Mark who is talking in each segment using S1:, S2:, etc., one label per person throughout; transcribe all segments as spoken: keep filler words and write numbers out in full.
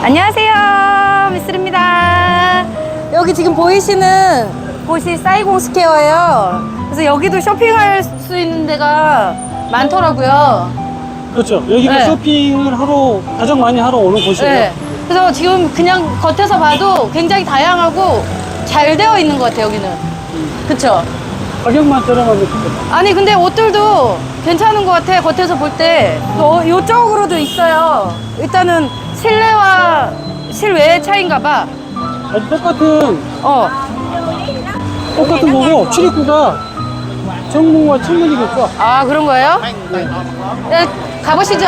S1: 안녕하세요, 미쓰리입니다. 여기 지금 보이시는 곳이 사이공 스퀘어예요. 그래서 여기도 쇼핑할 수 있는 데가 많더라고요.
S2: 그렇죠. 여기가
S1: 네.
S2: 쇼핑을 하러 가장 많이 하러 오는 곳이에요.
S1: 네. 그래서 지금 그냥 겉에서 봐도 굉장히 다양하고 잘 되어 있는 것 같아요, 여기는. 그쵸?
S2: 가격만 저렴하면 좋겠다.
S1: 아니, 근데 옷들도 괜찮은 것 같아, 겉에서 볼 때. 또 이쪽으로도 있어요. 일단은 실내와 실외의 차이인가 봐.
S2: 아니, 똑같은
S1: 어.
S2: 똑같은 거고 출입구가 정문과 측문이겠죠.
S1: 아, 그런 거예요? 네, 가보시죠.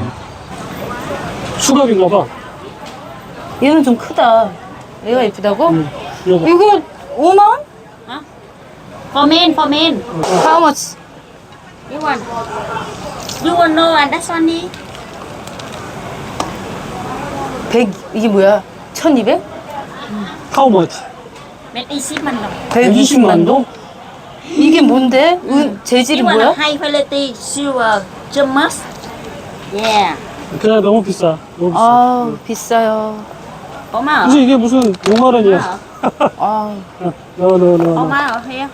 S2: 수갑인가 봐.
S1: 얘는 좀 크다. 얘가 예쁘다고?
S2: 음, 이거.
S1: 이거 오만 원?
S3: For men, for men.
S1: How much?
S3: You want? You want no and that's only.
S1: 백, 이게 뭐야? 천이백?
S2: How much?
S3: 백이십만 원.
S1: 백이십만 동? 이게 뭔데? 은, 재질이
S3: You want
S1: 뭐야?
S3: a high quality silver gems? Yeah.
S2: 그냥 너무 비싸. 너무 비싸.
S1: 아, 비싸요.
S3: Oma.
S2: 그래서 이게 무슨 오만 원이야.
S1: 아,
S2: 너너너
S3: Oma ở here.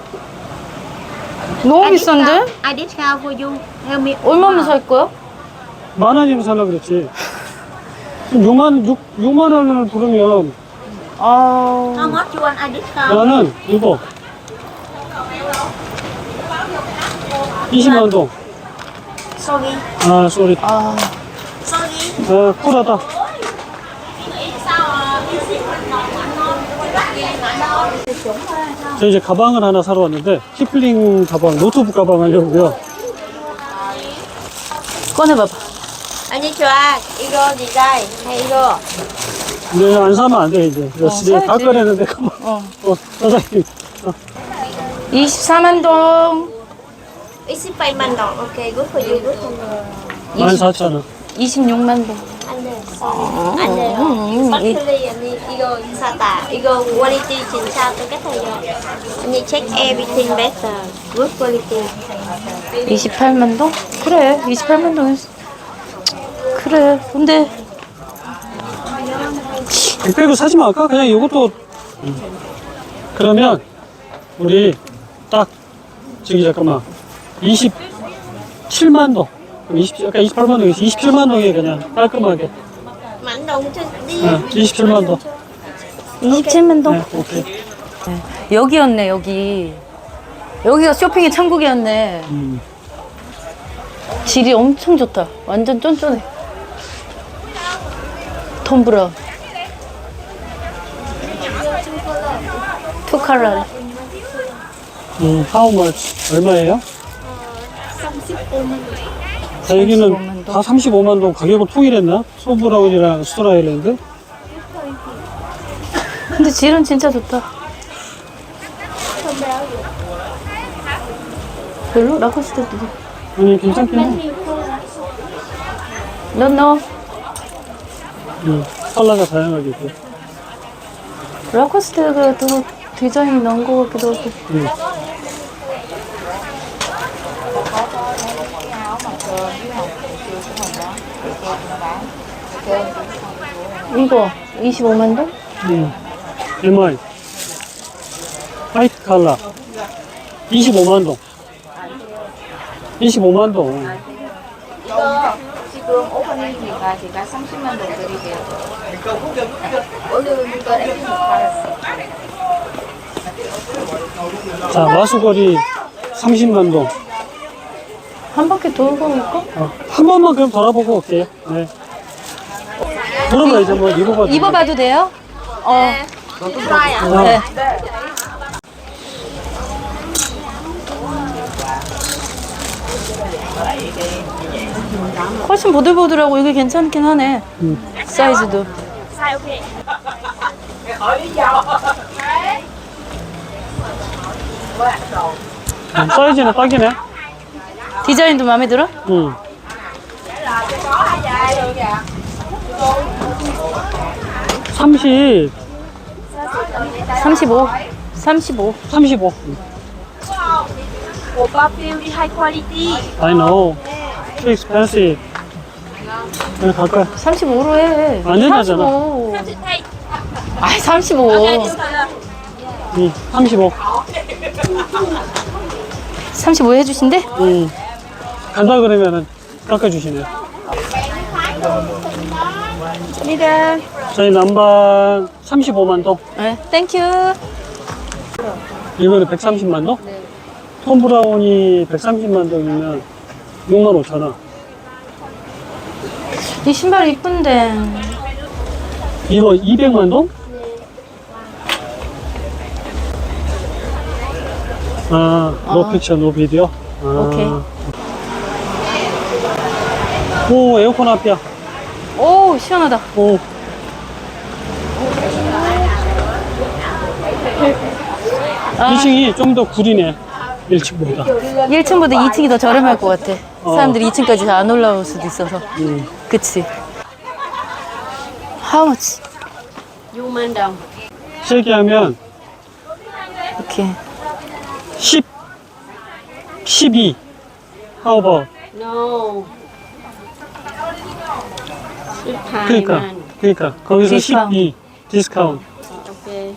S1: 너무 비싼데?
S3: I discount for you. Help me.
S1: 얼마면 살 거야?
S2: 만 원이면 살라 그랬지. 육만 육 육만 원을 부르면
S1: 아,
S3: How much you want? I discount.
S2: 나는 이거 이십만 동.
S3: Sorry.
S2: 아, 쏘리.
S1: 아,
S3: Sorry.
S2: 아, 쿨하다. 저 이제 가방을 하나 사러 왔는데 키플링 가방, 노트북 가방 하려고요.
S1: 꺼내봐봐.
S3: Anh cho 이거 디자인. Hay 이거.
S2: 근데 안 사면 안 돼, 이제. 이거 이제
S1: 사야지.
S2: 다 꺼내는데 가방.
S1: 어.
S2: 어, 사장님. 어.
S1: 이십사만 동,
S3: 이십팔만 원. 오케이. Good for you. Good for you.
S2: 만 사천 원.
S1: 이십육만 동.
S3: 안돼. 안돼. Factory 언니 이거 사다. 이거 quality 진짜 똑같아요. 언니 check everything better. Good quality.
S1: 이십팔만 동? 그래, 이십팔만 동. 그래, 근데
S2: 백백을 사지 말까? 그냥 이것도. 음. 그러면 우리 딱 저기 잠깐만 이십칠만 동. 그럼 이십, 아까 이십팔만 동에서 이십칠만 동에 그냥 깔끔하게.
S3: Mảnh đồng trên đi.
S2: 네, 이십칠만 동.
S1: 이십칠만 동?
S2: 네, 오케이.
S1: 여기였네, 여기. 여기가 쇼핑의 천국이었네.
S2: 음.
S1: 질이 엄청 좋다. 완전 쫀쫀해. 톰 브라운. 투 컬러래.
S2: 음, how much? 얼마예요? 자, 여기는 다 삼십오만 동 가격을 통일했나? 소브라운이랑 스토라일랜드?
S1: 근데 질은 진짜 좋다. 별로? 라코스테도.
S2: 아니, 괜찮긴 해.
S1: 너, 너.
S2: 음, 컬러가 다양하게 있고.
S1: 라코스테가 또 디자인이 나은 것 같기도 하고.
S2: 음.
S1: 이거 이십오만 동?
S2: 음. 엠아이. 화이트 컬러. 이십오만 동. 이십오만 동.
S4: 이거 지금 오프닝이니까 제가 삼십만 동 드릴게요. 오늘 이거 랩핑 받았어.
S2: 자, 마수거리 삼십만 동.
S1: 한 바퀴 돌고 올까?
S2: 어, 한 번만 그럼 돌아보고 올게요. 네. 물어봐, 이제 뭐 입어봐도.
S1: 입어봐도 돼요? 어.
S2: 아,
S1: 네. 훨씬 보들보들하고 이게 괜찮긴 하네.
S2: 음.
S1: 사이즈도.
S2: 음, 사이즈는 딱이네.
S1: 디자인도 마음에 들어?
S2: 응. 삼십,
S1: 삼십오. 삼십오.
S2: 삼십오.
S3: 오빠 beauty high quality.
S2: I know. Too expensive. 여기 갈까요?
S1: 삼십오로 해.
S2: 안 된다잖아.
S1: 삼십오. 아이, 삼십오.
S2: 응, 삼십오.
S1: 삼십오 해주신대?
S2: 응. 간다 그러면은 깎아주시네.
S1: 감사합니다.
S2: 저희 남반 삼십오만 동.
S1: 네, 땡큐.
S2: 이거는 백삼십만 동? 네. 톰 브라운이 백삼십만 동이면 육만 오천 원.
S1: 이 신발 이쁜데.
S2: 이거 이백만 동? 아, 노
S1: 아.
S2: 픽처, 노 비디오? 아.
S1: 오케이.
S2: 오, 에어컨 앞이야.
S1: 오, 시원하다.
S2: 오.
S1: 아.
S2: 이 층이 좀 더 구리네. 일 층보다.
S1: 일 층보다 이 층이 더 저렴할 것 같아.
S2: 어.
S1: 사람들이 이 층까지 잘 안 올라올 수도 있어서.
S2: 음.
S1: 그치? How much?
S3: 육만 동.
S2: 실기하면
S1: 오케이.
S2: 십, 십이. How about?
S3: No.
S2: 그러니까, 그러니까 거기서
S1: 디스카운트.
S2: 십이 디스카운트.
S3: 오케이.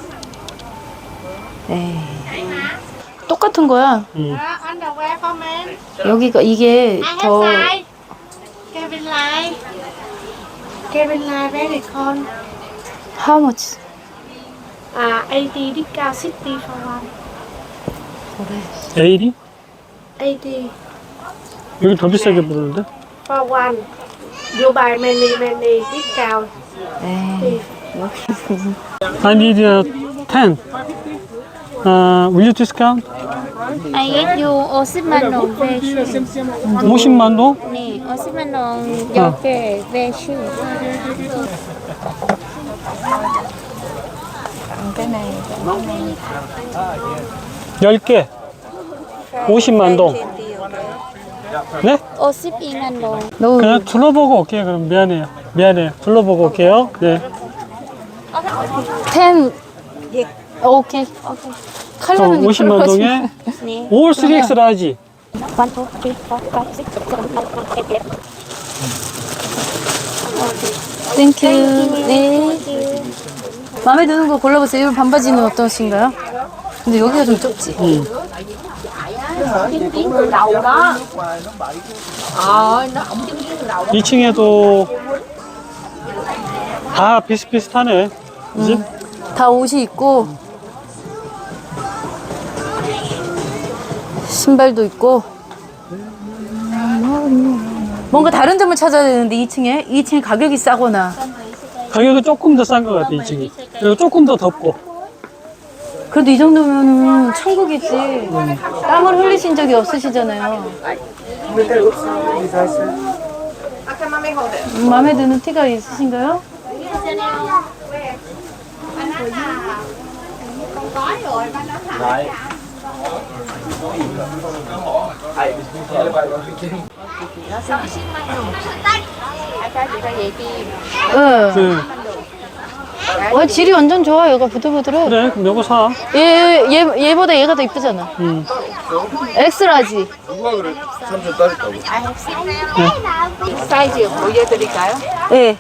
S1: 에이. 똑같은 거야.
S2: 음.
S3: Underwear for men.
S1: 여기가 이게
S3: I have
S1: 더
S3: size. Kevin Lai. Kevin Lai very cold.
S1: How much?
S3: À, eighty discount sixty for one.
S1: 그래.
S2: 에일이?
S3: eighty
S2: 여기 더 비싸게 부르는데?
S3: for one. You buy many many discount.
S1: 에이. 여기
S2: I need a ten. Uh, will you discount?
S5: I get you 오십만 원 배시.
S2: 오십만 동?
S5: 네, 오십만 원 열 개 배시.
S2: 열 개. 오십만 동. 네?
S5: 오십이만 원.
S1: 너
S2: 그냥 둘러보고 올게요. 그럼 미안해요. 미안해요. 둘러보고 올게요. 네.
S1: 텐. 오케이. 칼라는
S2: 오십만 동에
S5: 네.
S2: 올 쓰리 엑스 라지.
S5: one, two, three, four, five, six, seven, eight, nine,
S1: 땡큐. 네. 마음에 드는 거 골라보세요. 이 반바지는 어떠신가요? 근데 여기가 좀 좁지?
S2: 음. 이 층에도 다 비슷비슷하네. 그지?
S1: 다 옷이 있고 신발도 있고 뭔가 다른 점을 찾아야 되는데 이 층에 이 층에 가격이 싸거나
S2: 가격은 조금 더 싼 것 같아, 이 층이. 그리고 조금 더 덥고.
S1: 그래도 이 정도면은 천국이지. 땀을 흘리신 적이 없으시잖아요. 음, 마음에 드는 티가 있으신가요? 응.
S2: 네.
S1: 어, 질이 완전 좋아. 얘가 부들부들해.
S2: 그래, 그럼 요거 사.
S1: 얘, 얘, 얘보다 얘가 더 이쁘잖아.
S2: 음.
S1: 엑스라지.
S6: 누가 그래? 삼촌 따르다고.
S4: 사이즈 보여드릴까요?
S1: 예.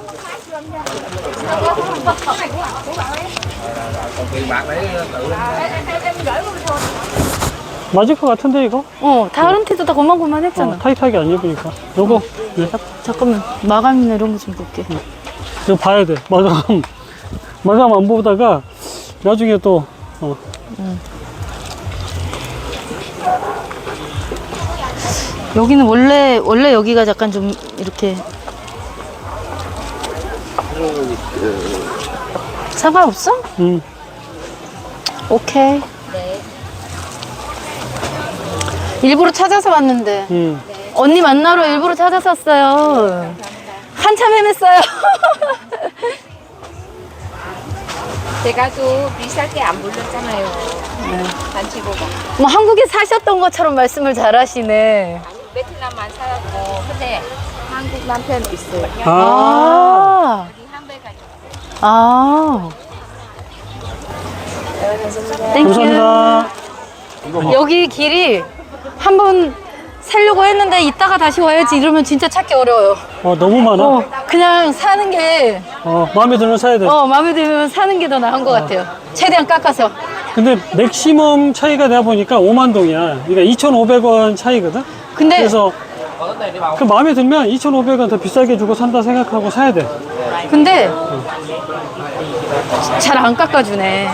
S2: 맞을 것 같은데, 이거?
S1: 어, 다른 티도 다 고만고만
S2: 어,
S1: 했잖아.
S2: 타이트하게 안 입으니까. 요거, 네.
S1: 자, 잠깐만. 마감이나 이런 거 좀 볼게.
S2: 이거 봐야 돼. 마감. 마감 안 보다가 나중에 또, 어.
S1: 여기는 원래, 원래 여기가 약간 좀 이렇게. 상관없어?
S2: 음.
S1: 오케이. 일부러 찾아서 왔는데.
S2: 음.
S1: 언니 만나러 일부러 찾아서 왔어요. 한참 헤맸어요.
S4: 제가 또 비싸게 안 불렀잖아요. 단체 보고.
S1: 뭐 한국에 사셨던 것처럼 말씀을 잘 하시네.
S4: 베트남만 살았고, 근데 한국 남편 있어요.
S2: 아.
S1: 아.
S4: 여기 한배가 있어요.
S1: 아. 땡큐.
S2: 감사합니다.
S1: 여기 길이 한번 살려고 했는데 이따가 다시 와야지 이러면 진짜 찾기 어려워요.
S2: 어, 너무 많아.
S1: 어, 그냥 사는 게,
S2: 어, 마음에 들면 사야 돼.
S1: 어, 마음에 들면 사는 게 더 나은 것 같아요. 최대한 깎아서.
S2: 근데 맥시멈 차이가 내가 보니까 오만 동이야. 그러니까 이천오백 원 차이거든.
S1: 근데,
S2: 그래서 그 마음에 들면 이천오백 원 더 비싸게 주고 산다 생각하고 사야 돼.
S1: 근데, 잘 안 깎아주네.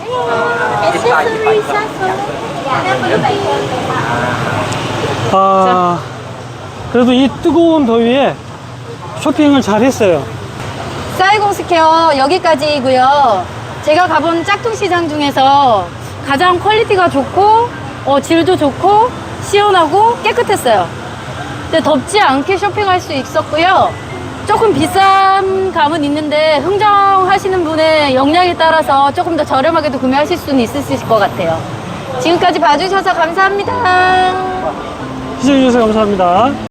S2: 아, 그래도 이 뜨거운 더위에 쇼핑을 잘 했어요.
S1: 사이공 스퀘어 여기까지이고요. 제가 가본 짝퉁 시장 중에서 가장 퀄리티가 좋고, 어, 질도 좋고, 시원하고 깨끗했어요. 근데 덥지 않게 쇼핑할 수 있었고요. 조금 비싼 감은 있는데 흥정하시는 분의 역량에 따라서 조금 더 저렴하게도 구매하실 수는 있으실 것 같아요. 지금까지 봐주셔서 감사합니다.
S2: 시청해주셔서 감사합니다.